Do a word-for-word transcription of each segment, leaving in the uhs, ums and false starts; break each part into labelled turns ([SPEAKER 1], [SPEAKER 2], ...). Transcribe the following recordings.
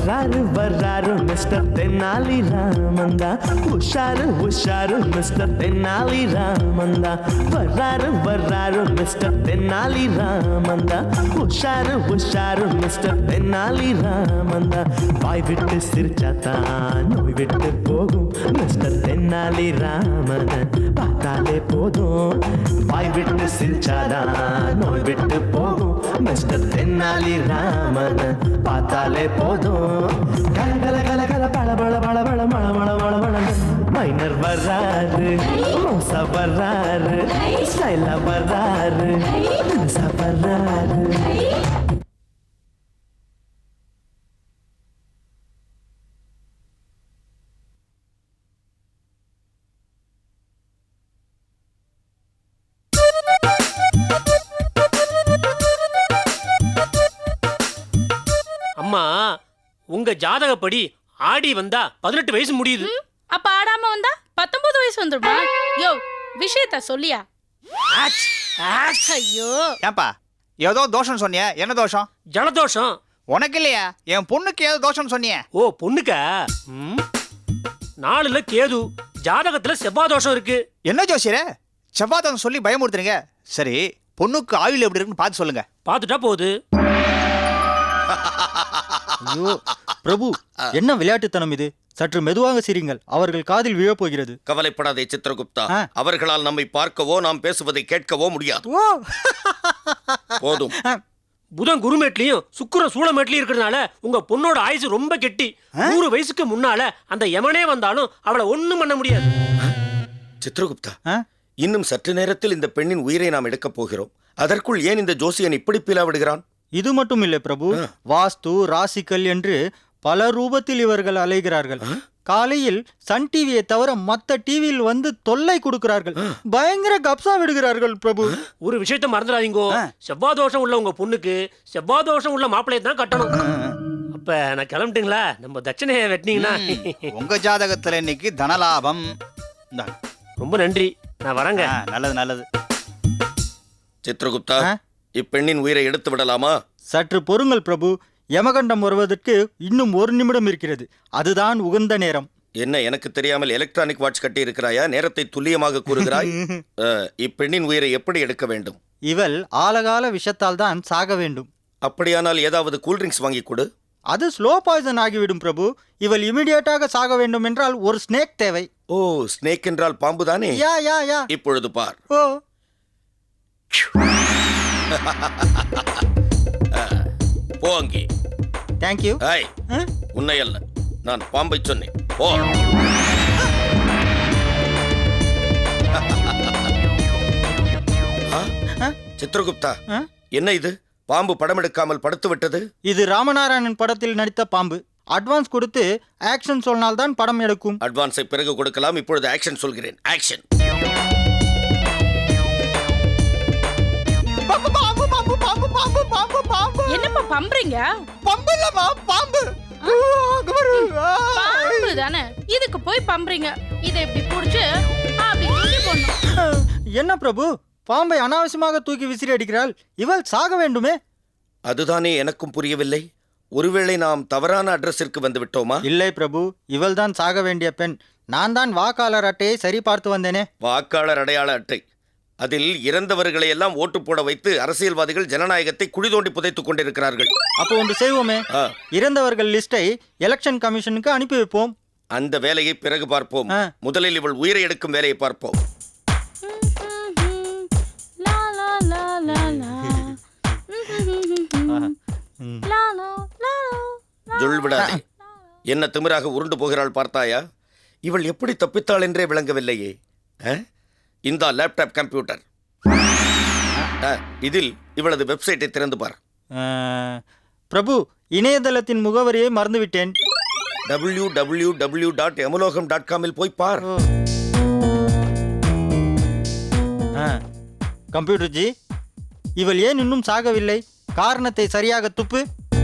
[SPEAKER 1] வர்றாரு வர்றாரு மிஸ்டர் தென்னாலி ராமந்தா, உஷாரு உஷாரு மிஸ்டர் தென்னாலி ராமந்தா, வர்றாரு வர்றாரு மிஸ்டர் தென்னாலி ராமந்தா, உஷாரு உஷாரு மிஸ்டர் தென்னாலி ராமந்தா. வாய் விட்டு சிரிச்சாத்தான் நோய் விட்டு போகும் மிஸ்டர் தென்னாலி ராமன் பார்த்தாலே போதும். வாய் விட்டு சிரிச்சாதான் நோய் விட்டு போகும் மிஸ்டர் தென்னாலி ராமன் பார்த்தாலே போதும். கல கல கல கல பழ பழ பழ பழ மழ மழ மழ மழ. மைனர் வர்றாரு, மோசா வர்றாரு, ஸ்டைலா வர்றாரு, மனசா வர்றாரு.
[SPEAKER 2] அம்மா, உங்க ஜாதகப்படி ஆடி வந்தா பதினெட்டு வயசு முடியுது.
[SPEAKER 3] அப்ப ஆடாம வந்தா பத்தொன்பது வயசு வந்துருமா? யோ, விஷயத்த சொல்லியா? ஐயோ,
[SPEAKER 4] ஏன்பா ஏதோ தோஷம் சொன்னிய? என்ன தோஷம்?
[SPEAKER 2] ஜலதோஷம்.
[SPEAKER 4] உனக்கு இல்லையா? என் பொண்ணுக்கு ஏதோ தோஷம் சொன்னிய?
[SPEAKER 2] ஓ, பொண்ணுக்கா? நாலுல கேது, ஜாதகத்துல செவ்வாய் தோஷம் இருக்கு.
[SPEAKER 4] என்ன ஜோசியரே செவ்வாய் தோஷம் சொல்லி பயமுறுத்துறீங்க? சரி, பொண்ணுக்கு ஆயுள் எப்படி இருக்குன்னு பார்த்து சொல்லுங்க.
[SPEAKER 2] பார்த்துட்டா போகுது.
[SPEAKER 5] ஐயோ பிரபு, என்ன விளையாட்டுத்தனம் இது? சற்று மெதுவாக சிரிங்கள், அவர்கள் காதில் விழப்போகிறது.
[SPEAKER 6] கவலைப்படாதே சித்திரகுப்தா, அவர்களால் நம்மை பார்க்கவோ நாம் பேசுவதை கேட்கவோ முடியாது. போதும்.
[SPEAKER 2] புதன் குருமேட்லயும் சுக்கிரன் சூளமேட்லயும் இருக்கிறதுனால உங்க பொண்ணோட ஆயுசு ரொம்ப கெட்டி. நூறு வயசுக்கு முன்னால அந்த யமனே வந்தாலும் அவளை ஒண்ணும் பண்ண முடியாது.
[SPEAKER 6] சித்திரகுப்தா, இன்னும் சற்று நேரத்தில் இந்த பெண்ணின் உயிரை நாம் எடுக்கப் போகிறோம். அதற்குள் ஏன் இந்த ஜோசியன் இப்படி பிளவிடுகிறான்?
[SPEAKER 5] இது மட்டும் இல்லை பிரபு, வாஸ்து ராசிக்கல் என்று பல ரூபத்தில் இவர்கள் அலைகிறார்கள். காலையில் சன் டிவியை தவிர மத்த டிவியில் வந்து தொல்லை கொடுக்கிறார்கள். பயங்கர கப்சா விடுகிறார்கள் பிரபு.
[SPEAKER 2] ஒரு விஷயத்த மறந்துடாதீங்கோ, செவ்வாய் தோஷம் உள்ள உங்க பொண்ணுக்கு செவ்வாய் தோஷம் உள்ள மாப்பிள்ளையை தான் கட்டணும். அப்ப நான் கிளம்பிட்டுங்களா? நம்ம தட்சணையை வெட்டினீங்கன்னா.
[SPEAKER 4] உங்க ஜாதகத்துல இன்னைக்கு தனலாபம்.
[SPEAKER 2] ரொம்ப நன்றி, நான் வரேங்க.
[SPEAKER 4] நல்லது நல்லது.
[SPEAKER 6] சித்திரகுப்தா, இப்பெண்ணின் உயிரை எடுத்து விடலாமா?
[SPEAKER 5] சற்று பொறுங்கள் பிரபு, யமகண்டம் வருவதற்கு இன்னும் ஒரு நிமிடம் இருக்கிறது. அதுதான் உகந்த நேரம்.
[SPEAKER 6] என்ன, எனக்கு தெரியாமல் எலக்ட்ரானிக் வாட்ச் கட்டி இருக்கிறாயா? நேரத்தை துல்லியமாக கூறுகிறாய். இப்பெண்ணின் உயிரை எப்படி எடுக்க வேண்டும்?
[SPEAKER 5] இவள் ஆலகால விஷத்தால் தான் சாக வேண்டும்.
[SPEAKER 6] அப்படியானால் ஏதாவது கூல்ட்ரிங்க்ஸ் வாங்கி கொடு.
[SPEAKER 5] அது ஸ்லோ பாய்சன் ஆகிவிடும் பிரபு. இவள் இமிடியேட்டாக சாக வேண்டும் என்றால் ஒரு ஸ்னேக் தேவை.
[SPEAKER 6] ஓ, ஸ்னேக் என்றால் பாம்பு தானே?
[SPEAKER 5] யா யா யா.
[SPEAKER 6] இப்பொழுது பார்.
[SPEAKER 5] ஓ,
[SPEAKER 6] போ அங்கே.
[SPEAKER 5] தேங்க்யூ.
[SPEAKER 6] ஐய், உன்னை அல்ல, நான் பாம்பை சொன்னேன். போ. சித்திரகுப்தா, என்ன இது? பாம்பு படம் எடுக்காமல் படுத்து விட்டது.
[SPEAKER 5] இது ராமநாராயணன் படத்தில் நடித்த பாம்பு. அட்வான்ஸ் கொடுத்து ஆக்ஷன் சொன்னால் தான் படம் எடுக்கும்.
[SPEAKER 6] அட்வான்ஸை பிறகு கொடுக்கலாம், இப்பொழுது ஆக்ஷன் சொல்கிறேன். ஆக்ஷன்.
[SPEAKER 3] என்னப்பா பம்புறீங்க?
[SPEAKER 4] பம்பு இல்லமா, பாம்பு.
[SPEAKER 3] பாம்பு தானே, இதுக்கு போய் பம்புறீங்க. இதை இப்படி புடிச்சு அப்படி தூக்கி போடணும்.
[SPEAKER 5] என்ன பிரபு, பாம்பை அனாவசியமாக தூக்கி விசிறி அடிக்கிறாள். இவள் சாக வேண்டுமே.
[SPEAKER 6] அதுதானே எனக்கும் புரியவில்லை. ஒருவேளை நாம் தவறான அட்ரஸிற்கு வந்து விட்டோமா?
[SPEAKER 5] இல்லை பிரபு, இவள் தான் சாக வேண்டிய பெண். நான் தான் வாக்காளர் அட்டையை சரி பார்த்து வந்தேனே.
[SPEAKER 6] வாக்காளர் அடையாள அட்டை, அதில் இறந்தவர்களை எல்லாம் ஓட்டு போட வைத்து அரசியல்வாதிகள் ஜனநாயகத்தை குழி தோண்டி புதைத்துக் கொண்டிருக்கிறார்கள்.
[SPEAKER 5] அப்போ ஒன்று செய்வோமே, இறந்தவர்கள் லிஸ்டை எலெக்ஷன் கமிஷனுக்கு அனுப்பி வைப்போம்.
[SPEAKER 6] அந்த வேலையை பிறகு பார்ப்போம். முதலில் இவள் உயிரை எடுக்கும் வேலையை பார்ப்போம். ஜொல்விடாதே. என்ன திமிராக உருண்டு போகிறாள் பார்த்தாயா? இவள் எப்படி தப்பித்தாள் என்றே விளங்கவில்லையே. இந்த லேப்டாப் கம்ப்யூட்டர், இதில் இவளது வெப்சைட்டை திறந்து பார்.
[SPEAKER 5] பிரபு, இணையதளத்தின் முகவரியை மறந்துவிட்டேன்.
[SPEAKER 6] W W W dot Yamalokam dot காமில் போய் பார்.
[SPEAKER 5] கம்ப்யூட்டர் ஜி, இவள் ஏன் இன்னும் சாகவில்லை? காரணத்தை சரியாக துப்பு.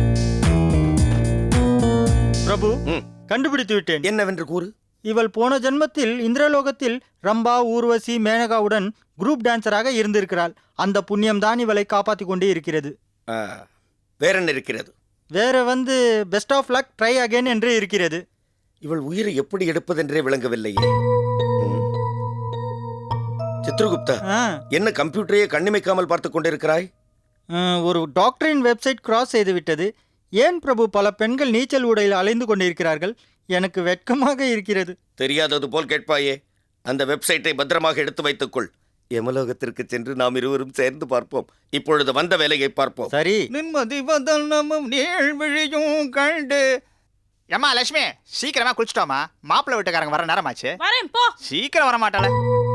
[SPEAKER 5] பிரபு, கண்டுபிடித்து விட்டேன்.
[SPEAKER 6] என்னவென்று கூறு.
[SPEAKER 5] இவள் போன ஜென்மத்தில் இந்திரலோகத்தில் ரம்பா, ஊர்வசி, மேனகாவுடன் குரூப் டான்சராக இருந்திருக்கிறாள். அந்த புண்ணியம் தான் இவளை காப்பாற்றி கொண்டே இருக்கிறது.
[SPEAKER 6] வேற என்ன இருக்கிறது?
[SPEAKER 5] வேற வந்து best of luck try again என்று இருக்கிறது.
[SPEAKER 6] இவள் உயிரை எப்படி எடுப்பதென்றே விளங்கவில்லையே. ம். சித்ரகுப்தா,
[SPEAKER 5] ஆ,
[SPEAKER 6] என்ன கம்ப்யூட்டரையே கண்ணிமைக்காமல் பார்த்து கொண்டிருக்கிறாய்?
[SPEAKER 5] ஆ, ஒரு டாக்டரின் வெப்சைட் கிராஸ் செய்து விட்டது. ஏன் பிரபு பல பெண்கள் நீச்சல் உடையில் அலைந்து கொண்டிருக்கிறார்கள்? எனக்கு வெட்கமாக இருக்கிறது.
[SPEAKER 6] தெரியாதது போல் கேட்பாயே. அந்த வெப்சைட்டை பத்திரமாக எடுத்து வைத்துக்கொள். எமலோகத்திற்கு சென்று நாம் இருவரும் சேர்ந்து பார்ப்போம். இப்பொழுது வந்த வேலையை பார்ப்போம்.
[SPEAKER 5] சரி.
[SPEAKER 4] நிம்மதி வதனமும் நீழ்விழியும் கண்டு. ஏம்மா லட்சுமி, சீக்கிரமா குளிச்சுட்டோமா? மாப்பிள்ளை வீட்டுக்காரங்க வர நேரமாச்சு.
[SPEAKER 3] வரேன் போ.
[SPEAKER 4] சீக்கிரம் வர மாட்டாள.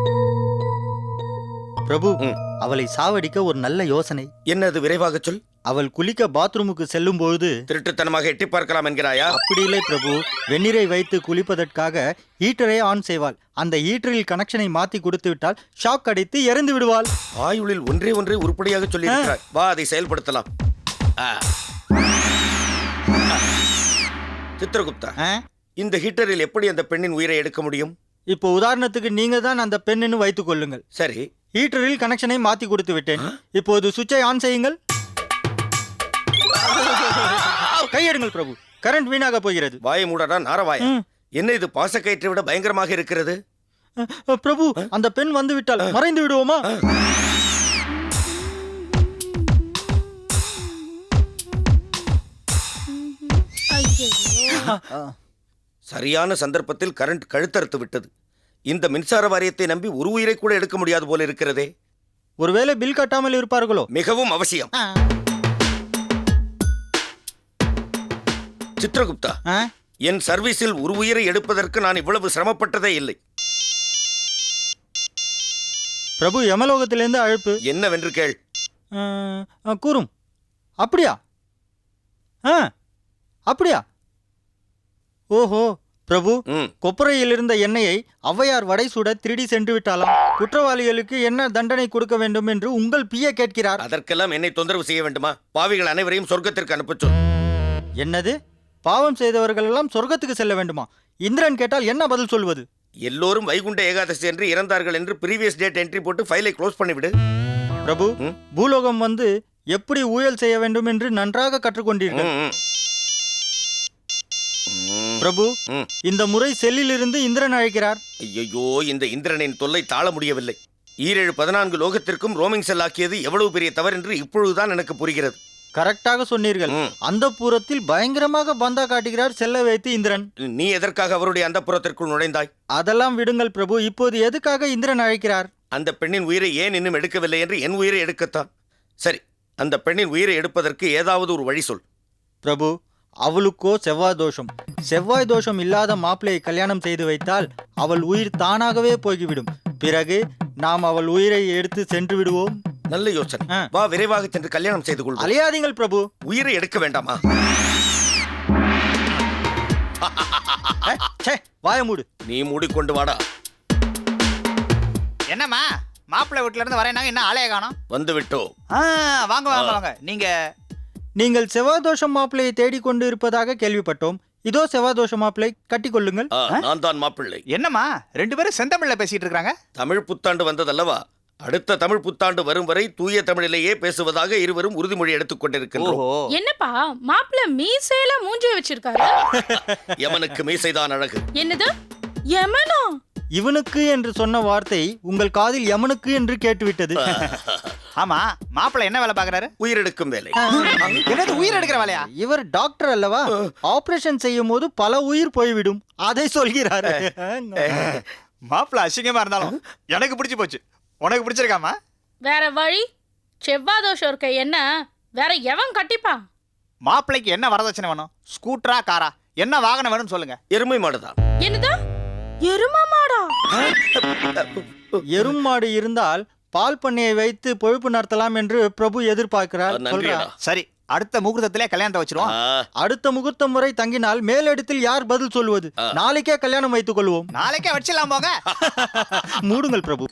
[SPEAKER 5] பிரபு,
[SPEAKER 6] ம்.
[SPEAKER 5] அவளை சாவடிக்க ஒரு நல்ல யோசனை.
[SPEAKER 6] என்னது, விரைவாக சொல்.
[SPEAKER 5] அவள் குளிக்க பாத்ரூமுக்கு செல்லும் பொழுது
[SPEAKER 6] திருட்டுத்தனமாக எட்டி பார்க்கலாம் என்கிறாயா?
[SPEAKER 5] அப்படி இல்லை பிரபு. வெந்நீரை வைத்து குளிப்பதற்காக ஹீட்டரை ஆன் செய்வாள். அந்த ஹீட்டரில் கனெக்ஷனை மாத்தி கொடுத்து விட்டால் ஷாக் அடித்து இறந்து விடுவாள்.
[SPEAKER 6] ஆயுளில் ஒன்றே ஒன்றே உருப்படியாக சொல்லி இருக்கிறாய். வா, அதை செயல்படுத்தலாம். ஆ. ஆ. சித்ரகுப்தா,
[SPEAKER 5] ஆ?
[SPEAKER 6] இந்த ஹீட்டரில் எப்படி அந்த பெண்ணின் உயிரை எடுக்க முடியும்?
[SPEAKER 5] இப்போ உதாரணத்துக்கு நீங்க தான் அந்த பெண்ணுன்னு வைத்துக் கொள்ளுங்கள்.
[SPEAKER 6] சரி,
[SPEAKER 5] ஹீட்டரில் கனெக்ஷனை மாத்தி கொடுத்து விட்டேன். இப்போது சுவிட்சை ஆன் செய்யுங்கள். கையெடுங்கள் பிரபு, கரண்ட் வீணாக போகிறது.
[SPEAKER 6] வாயை மூடடா நாரவாய.
[SPEAKER 5] ம்.
[SPEAKER 6] என்ன இது, பாசக்கயிற்றை விட பயங்கரமாக இருக்கிறது.
[SPEAKER 5] அ, பிரபு, அந்த பெண் வந்து விட்டால் மறைந்து விடுவோமா?
[SPEAKER 3] ஐயோ.
[SPEAKER 6] சரியான சந்தர்ப்பத்தில் கரண்ட் கழுத்தறுத்து விட்டது. இந்த மின்சார வாரியத்தை நம்பி ஒரு உயிரை கூட எடுக்க முடியாது போல இருக்கிறதே.
[SPEAKER 5] ஒருவேளை பில் கட்டாமல் இருப்பார்களோ?
[SPEAKER 6] மிகவும் அவசியம்.
[SPEAKER 5] ஆ.
[SPEAKER 6] சித்ரகுப்தா,
[SPEAKER 5] ஆ?
[SPEAKER 6] என் சர்வீஸில் ஒரு உயிரை எடுப்பதற்கு நான் இவ்வளவு சிரமப்பட்டதே இல்லை.
[SPEAKER 5] பிரபு, யமலோகத்திலிருந்து அழைப்பு.
[SPEAKER 6] என்னவென்று கேள்.
[SPEAKER 5] ஆ, ஆ, கூறும். அப்படியா? ஆ, அப்படியா? ஓஹோ பிரபு,
[SPEAKER 6] ம்.
[SPEAKER 5] கொப்பரையில் இருந்த எண்ணெயை ஔவையார் வடை சுட திருடி சென்று விட்டாலாம். குற்றவாளிகளுக்கு என்ன தண்டனை கொடுக்க வேண்டும் என்று உங்கள் பிஏ கேட்கிறார்.
[SPEAKER 6] அதற்கெல்லாம் என்னை தொந்தரவு செய்ய வேண்டுமா? பாவிகள் அனைவரையும் சொர்க்கத்திற்கு அனுப்பச் சொல்.
[SPEAKER 5] என்னது? பாவம் செய்தவர்கள் எல்லாம் சொர்க்கத்துக்கு செல்ல வேண்டுமா? இந்திரன் கேட்டால் என்ன பதில் சொல்வது?
[SPEAKER 6] எல்லோரும் வைகுண்ட ஏகாதசி என்று இறந்தார்கள் என்று ப்ரீவியஸ் டேட் என்ட்ரி போட்டு ஃபைலை க்ளோஸ் பண்ணிவிடு.
[SPEAKER 5] பிரபு,
[SPEAKER 6] ம்.
[SPEAKER 5] பூலோகம் வந்து எப்படி ஊழல் செய்ய வேண்டும் என்று நன்றாக கற்றுக்கொண்டீர்கள்.
[SPEAKER 6] ம், ம். ம்.
[SPEAKER 5] பிரபு,
[SPEAKER 6] ம்.
[SPEAKER 5] இந்த முறை செல்லிலிருந்து இந்திரன் அழைக்கிறார்.
[SPEAKER 6] ஐயோ, இந்த இந்திரனின் தொல்லை தாழ முடியவில்லை. ஈரேழு பதினான்கு லோகத்திற்கும் ரோமிங் செல் ஆக்கியது எவ்வளவு பெரிய தவறு என்று இப்பொழுதுதான் எனக்கு புரிகிறது.
[SPEAKER 5] கரெக்டாக சொன்னீர்கள்.
[SPEAKER 6] ம்.
[SPEAKER 5] அந்த புறத்தில் பயங்கரமாக பந்தா காட்டுகிறார் செல்ல வைத்து இந்திரன்.
[SPEAKER 6] நீ எதற்காக அவருடைய அந்தப்புறத்திற்குள் நுழைந்தாய்?
[SPEAKER 5] அதெல்லாம் விடுங்கள் பிரபு. இப்போது எதுக்காக இந்திரன் அழைக்கிறார்?
[SPEAKER 6] அந்த பெண்ணின் உயிரை ஏன் இன்னும் எடுக்கவில்லை என்று என் உயிரை எடுக்கத்தான். சரி, அந்த பெண்ணின் உயிரை எடுப்பதற்கு ஏதாவது ஒரு வழி சொல்.
[SPEAKER 5] பிரபு, அவளுக்கோ செவ்வாய் தோஷம். செவ்வாய் தோஷம் இல்லாத மாப்பிள்ளையை கல்யாணம் செய்து வைத்தால் அவள் உயிர் தானாகவே போய்விடும். பிறகு நாம் அவள் உயிரை எடுத்து சென்று விடுவோம்.
[SPEAKER 6] நல்ல யோசனை.
[SPEAKER 5] ஆ.
[SPEAKER 6] வா, விரைவாக சென்று கல்யாணம் செய்து கொள்வோம்.
[SPEAKER 5] அலையாதீங்கள் பிரபு.
[SPEAKER 6] உயிரை எடுக்க வேண்டாமா?
[SPEAKER 5] ஏ, ச்சே, வாய மூடு.
[SPEAKER 6] நீ மூடிக்கொண்டு வாடா.
[SPEAKER 4] என்னம்மா, மாப்பிள்ளை வீட்டுல இருந்து வரேனாங்க, என்ன ஆளைய காணோம்?
[SPEAKER 6] வந்து விட்டோ.
[SPEAKER 4] ஆ, வாங்க வாங்க வாங்க. நீங்க
[SPEAKER 5] நீங்கள் செவ்வாய் தோஷம் மாப்பிள்ளையை தேடிக்கொண்டு இருப்பதாக கேள்விப்பட்டோம். இதோ செவ்வாய் தோஷம் மாப்பிள்ளை, கட்டிக்கொள்ளுங்கள்.
[SPEAKER 6] ஆ, நான் தான் மாப்பிள்ளை.
[SPEAKER 4] என்னம்மா, ரெண்டு பேரும் செந்தமிழ்ல பேசிட்டு இருக்காங்க?
[SPEAKER 6] தமிழ் புத்தாண்டு வந்ததல்லவா? அடுத்த தமிழ் புத்தாண்டு வரும் வரை தூய தமிழிலேயே பேசுவதாக இருவரும் உறுதிமொழி எடுத்துக் கொண்டிருக்கின்றோம்.
[SPEAKER 4] ஓஹோ.
[SPEAKER 3] என்னப்பா மாப்பிள்ள மீசையில மூஞ்சி வச்சிருக்காரு?
[SPEAKER 6] யமனுக்கு மீசைதான் அழகு.
[SPEAKER 3] என்னது, யமனா?
[SPEAKER 5] இவனுக்கு என்று சொன்ன வார்த்தை உங்கள் காதில் யமனுக்கு என்று கேட்டுவிட்டது.
[SPEAKER 4] ஆமா, மாப்பிள்ளை என்ன வேலை பாக்குறாரு?
[SPEAKER 6] உயிரெடுக்கும் வேலை.
[SPEAKER 4] என்னது, உயிர் எடுக்கிற வேலையா?
[SPEAKER 5] இவர் டாக்டர் அல்லவா? ஆபரேஷன் செய்யும் போது பல உயிர் போய்விடும், அதை சொல்கிறாரு.
[SPEAKER 4] மாப்பிள்ளை அசிங்கமா இருந்தாலும் எனக்கு பிடிச்சு போச்சு. உனக்கு பிடிச்சிருக்காமா?
[SPEAKER 3] வேற வழி? செவ்வாய் தோஷம் இருக்க என்ன வேற எவன் கட்டிப்பா?
[SPEAKER 4] மாப்பிள்ளைக்கு என்ன வரதட்சணை வேணும்? ஸ்கூட்டரா, காரா, என்ன வாகனம் வேணும்னு சொல்லுங்க.
[SPEAKER 6] எருமை மாடுதான்.
[SPEAKER 3] என்னது, எரும மாடா?
[SPEAKER 5] எரும் மாடு இருந்தால் பால் பண்ணையை வைத்து பொழுப்பு நடத்தலாம் என்று பிரபு எதிர்பார்க்கிறார்.
[SPEAKER 6] நன்றிடா.
[SPEAKER 5] சொல்றார்.
[SPEAKER 4] சரி, அடுத்த முகூர்த்தத்திலே கல்யாணத்தை வச்சிருவோம்.
[SPEAKER 6] ஆ,
[SPEAKER 5] அடுத்த முகூர்த்தம் முறை தங்கினால் மேலிடத்தில் யார் பதில் சொல்வது? நாளைக்கே கல்யாணம் வைத்துக் கொள்வோம்.
[SPEAKER 4] நாளைக்கே வச்சிடலாம் போங்க.
[SPEAKER 5] மூடுங்கள் பிரபு.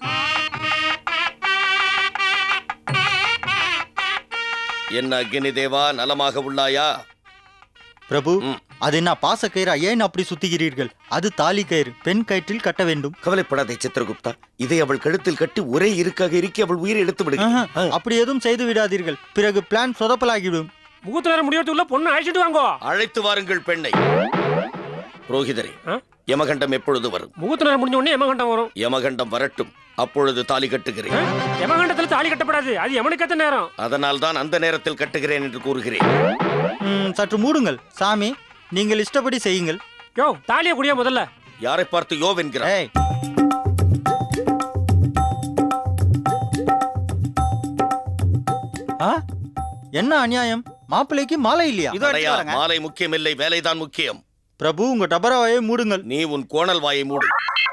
[SPEAKER 6] என்ன அக்னி தேவா, நலமாக உள்ளாயா?
[SPEAKER 5] பிரபு,
[SPEAKER 6] ம்.
[SPEAKER 5] அது என்ன பாசக்கயிறா? ஏன் அப்படி சுத்துகிறீர்கள்? அது தாலி கயிறு, பெண் கயிற்றில் கட்ட வேண்டும்.
[SPEAKER 6] கவலைப்படாதே சித்திரகுப்தா, இதை அவள் கழுத்தில் கட்டி ஒரே இருக்காக இருக்கி அவள் உயிரை எடுத்து விடு.
[SPEAKER 5] ஆஹா, அப்படி எதுவும் செய்து விடாதீர்கள், பிறகு பிளான் சொதப்பலாகிவிடும்.
[SPEAKER 2] முகூர்த்த நேரம் முடியறதுக்குள்ள பொண்ணு அழைச்சிட்டு வாங்கோ.
[SPEAKER 6] அழைத்து வாருங்கள் பெண்ணை. புரோகிதரே,
[SPEAKER 2] ஆ?
[SPEAKER 6] யமகண்டம் எப்பொழுது வரும்?
[SPEAKER 2] முகூர்த்த நேரம் முடிஞ்ச உடனே யமகண்டம் வரும்.
[SPEAKER 6] யமகண்டம் வரட்டும், அப்பொழுது தாலி கட்டுகிறேன்.
[SPEAKER 2] யமகண்டத்துல தாலி கட்டப்படாது, அது யமனுக்கத்த நேரம்.
[SPEAKER 6] அதனால் தான் அந்த நேரத்தில் கட்டுகிறேன் என்று கூறுகிறேன்.
[SPEAKER 5] ம், சற்று மூடுங்கள் சாமி, நீங்கள் இஷ்டப்படி செய்யுங்கள்.
[SPEAKER 2] யோ தாலிய குடியா முதல்ல.
[SPEAKER 6] யாரை பார்த்து யோ என்கிறார்?
[SPEAKER 5] ஏய், ஆ? என்ன அநியாயம், மாப்பிள்ளைக்கு மாலை இல்லையா?
[SPEAKER 4] இதோ எடுத்து
[SPEAKER 6] அடையா,
[SPEAKER 4] வரேங்க.
[SPEAKER 6] மாலை முக்கியமில்லை, வேலைதான் முக்கியம்.
[SPEAKER 5] பிரபு, உங்க டபராவையே மூடுங்கள்.
[SPEAKER 6] நீ உன் கோணல் வாயை மூடு.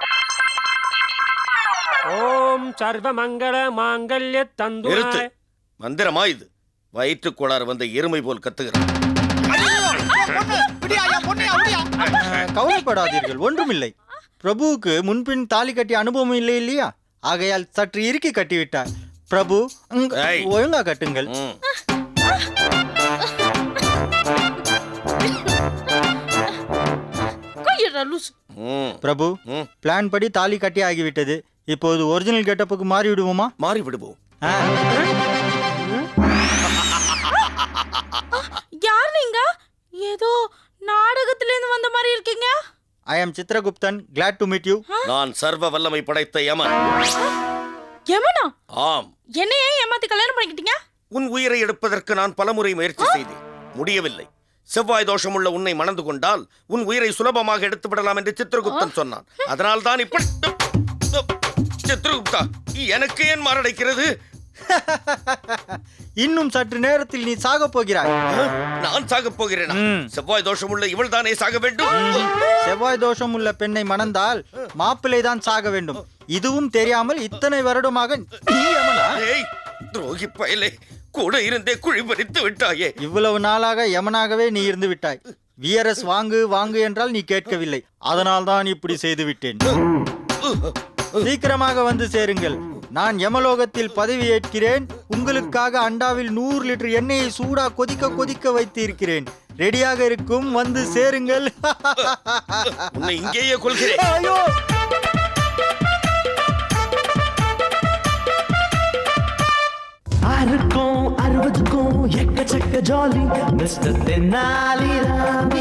[SPEAKER 2] ஓம் சர்வ மங்கள மாங்கல்ய தந்து.
[SPEAKER 6] நிறுத்து. மந்திரமா இது? வயிற்றுக் கோளாறு வந்த எருமை போல் கத்துகிறான்.
[SPEAKER 4] பொண்ணு, விடியா, என் பொண்ணையா, விடியா.
[SPEAKER 5] அஹ், கவலைப்படாதீர்கள், ஒன்றுமில்லை. பிரபுவுக்கு முன்பின் தாலி கட்டிய அனுபவம் இல்லை இல்லையா, ஆகையால் சற்று இறுக்கி கட்டிவிட்டார். பிரபு, உங்க-
[SPEAKER 6] ஏய்.
[SPEAKER 5] ஒழுங்கா கட்டுங்கள்.
[SPEAKER 6] ம்.
[SPEAKER 3] கையடா லூசு.
[SPEAKER 6] ம்.
[SPEAKER 5] பிரபு,
[SPEAKER 6] ம்.
[SPEAKER 5] பிளான் படி தாலி கட்டி ஆகிவிட்டது. இப்போது ஒரிஜினல் கெட்டப்புக்கு மாறி விடுவோமா?
[SPEAKER 6] மாறி விடுவோம்.
[SPEAKER 5] ஆ.
[SPEAKER 3] யார் நீங்க? ஏதோ நாடகத்துல இருந்து வந்த மாதிரி இருக்கீங்க.
[SPEAKER 5] ஐ ஆம் Chitraguptan, glad to meet you.
[SPEAKER 6] நான் சர்வ வல்லமை படைத்த யமன்.
[SPEAKER 3] யமனா?
[SPEAKER 6] ஆம்,
[SPEAKER 3] என்னையே ஏமாத்தி கல்யாணம் பண்ணிக்கிட்டீங்க?
[SPEAKER 6] உன் உயிரை எடுப்பதற்கு நான் பலமுறை முயற்சி செய்தேன், முடியவில்லை. செவ்வாய் தோஷமுள்ள உன்னை மணந்து கொண்டால் உன் உயிரை சுலபமாக எடுத்து விடலாம் என்று சித்ரகுப்தன் சொன்னான். அதனால் தான் இப்படி. சித்ரகுப்தா, எனக்கு ஏன் மாரடைக்கிறது?
[SPEAKER 5] இன்னும் சற்று நேரத்தில் நீ சாக போகிறாய்.
[SPEAKER 6] நான் சாகப் போகிறேனா?
[SPEAKER 5] ம்.
[SPEAKER 6] செவ்வாய் தோஷமுள்ள இவள் தானே சாக வேண்டும்.
[SPEAKER 5] செவ்வாய் தோஷம் உள்ள பெண்ணை மணந்தால் மாப்பிள்ளை தான் சாக வேண்டும். இதுவும் தெரியாமல் இத்தனை வருடமாக நீ யமனா?
[SPEAKER 6] ஏய், துரோகி பயலே, கூட இருந்தே குழி பறித்து விட்டாயே.
[SPEAKER 5] இவ்வளவு நாளாக யமனாகவே நீ இருந்து விட்டாய். விஆர்எஸ் வாங்கு வாங்கு என்றால் நீ கேட்கவில்லை. அதனால் தான் இப்படி செய்து விட்டேன். சீக்கிரமாக வந்து சேருங்கள். நான் யமலோகத்தில் பதவி ஏற்கிறேன். உங்களுக்காக அண்டாவில் நூறு லிட்டர் எண்ணெயை சூடா கொதிக்க கொதிக்க வைத்து இருக்கிறேன். ரெடியாக இருக்கும், வந்து சேருங்கள்.
[SPEAKER 6] உன்னை இங்கேயே கொள்கிறேன்.
[SPEAKER 5] ஐயோ!
[SPEAKER 1] ஆறுக்கும் அறுபதுக்கும் எக்கச்சக்க ஜாலி மிஸ்டர் தென்னாலிராம்.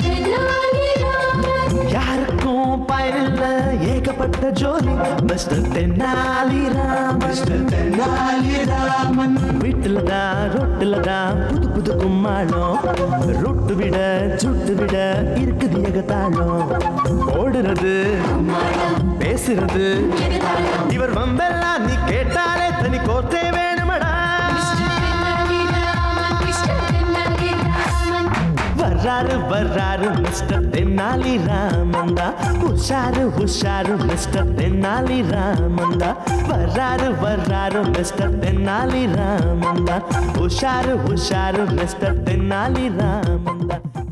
[SPEAKER 1] யாருக்கும் பயனில்ல ஏகப்பட்ட ஜோலி மிஸ்டர் தென்னாலிராம். மிஸ்டர் தென்னாலிராமன் வீட்டுல தான் ரொட்டுல தான் புது புது கும்மாளம். ரொட்டு விட சுட்டு விட இருக்குது ஏகத்தாளம். ஓடுறது பேசுறது இவர் வம்பெல்லாம் நீ கேட்டாலே தனி கோர்த்தே வேணுமடா. வர்றாரு வர்றாரு மிஸ்டர் தென்னாலி ராமந்தா. உஷாரு உஷாரு மிஸ்டர் தென்னாலி ராமந்தா. வர்றாரு வர்றாரு மிஸ்டர் தென்னாலி ராமந்தா. உஷாரு உஷாரு மிஸ்டர் தென்னாலி ராமந்தா.